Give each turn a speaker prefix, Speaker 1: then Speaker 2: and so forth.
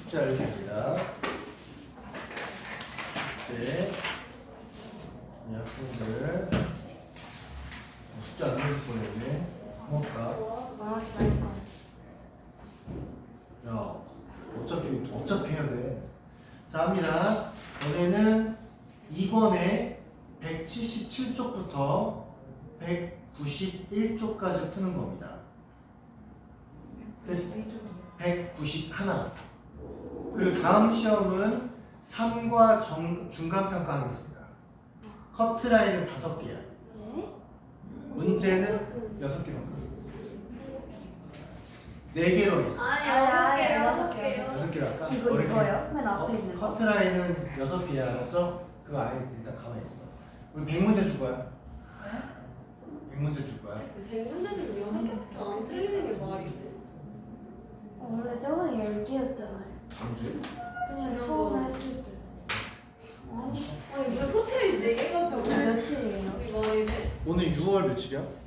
Speaker 1: 숫자를 줍니다. 숙제 이 학생들 숫자 안 내줄 뻔했네. 고맙다.
Speaker 2: 말았으니까.
Speaker 1: 야, 어차피 해야 돼. 자, 합니다. 너네는 2권의 177쪽부터 191쪽까지 푸는 겁니다. 191. 그리고 다음 시험은 3과 중간평가 하겠습니다. 커트라인은 5개야.
Speaker 2: 네?
Speaker 1: 문제는 6개로. 4개로 하겠습니다.
Speaker 2: 아니, 6개요.
Speaker 1: 6개로 할까?
Speaker 2: 이거요? 맨 앞에 있는 거.
Speaker 1: 커트라인은 6개야, 알았죠? 그거 아예 일단 가만히 있어. 우리 100문제 줄 거야. 100문제 줄 거야.
Speaker 3: 100문제들 6개밖에 안 틀리는 게 말이 돼.
Speaker 2: 원래 저번에 10개였잖아요.
Speaker 1: 언제?
Speaker 2: 그냥 처음에 했을 때.
Speaker 3: 아니 무슨 코트레인 4개 가지고
Speaker 2: 며칠이에요?
Speaker 3: 우리 말이 돼.
Speaker 1: 오늘 6월 며칠이야?